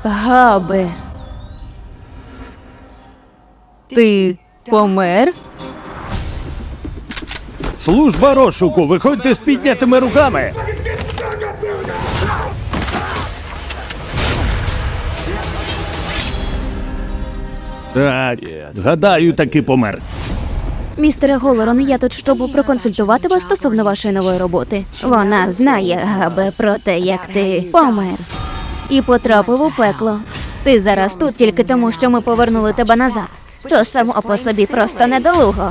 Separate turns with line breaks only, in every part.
Габе. Ти помер?
Служба розшуку, виходьте з піднятими руками! Так, гадаю, таки помер.
Містере Голорон, я тут, щоб проконсультувати вас стосовно вашої нової роботи. Вона знає, Габе, про те, як ти помер. І потрапив у пекло. Ти зараз тут тільки тому, що ми повернули тебе назад. Що само по собі просто недолуго.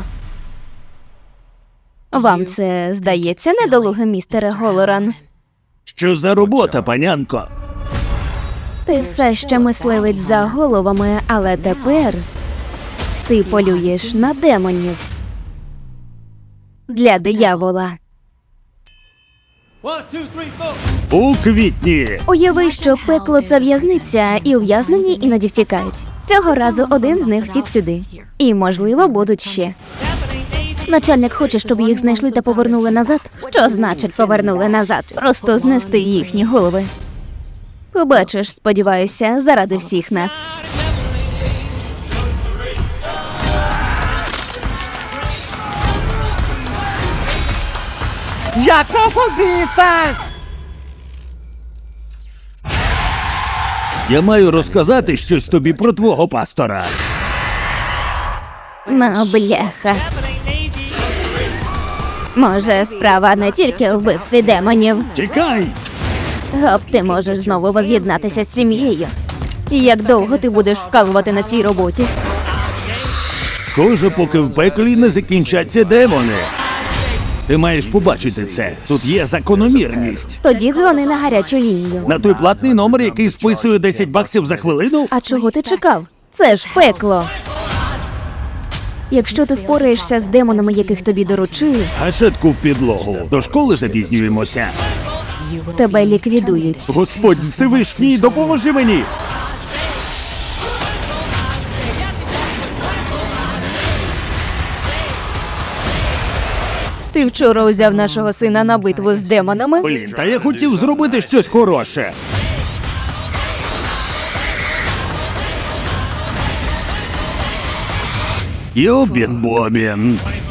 Вам це здається недолугим, містере Голоран?
Що за робота, панянко?
Ти все ще мисливець за головами, але тепер ти полюєш на демонів. Для диявола.
У квітні.
Уяви, що пекло – це в'язниця, і ув'язнені іноді втікають. Цього разу один з них втік сюди. І, можливо, будуть ще. Начальник хоче, щоб їх знайшли та повернули назад. Що значить повернули назад? Просто знести їхні голови. Побачиш, сподіваюся, заради всіх нас.
Якого біса? Я маю розказати щось тобі про твого пастора.
Ну, бляха. Може, справа не тільки у вбивстві демонів.
Чекай!
Гоп, ти можеш знову воз'єднатися з сім'єю. І як довго ти будеш вкалувати на цій роботі?
Схоже, поки в пеклі не закінчаться демони. Ти маєш побачити це. Тут є закономірність.
Тоді дзвони на гарячу лінію.
На той платний номер, який списує 10 баксів за хвилину?
А чого ти чекав? Це ж пекло. Якщо ти впораєшся з демонами, яких тобі доручили,
Гашетку в підлогу. До школи запізнюємося.
тебе ліквідують.
Господь Всевишній, допоможи мені!
Ти вчора узяв нашого сина на битву з демонами?
Блін, та я хотів зробити щось хороше. Йобін-бобін.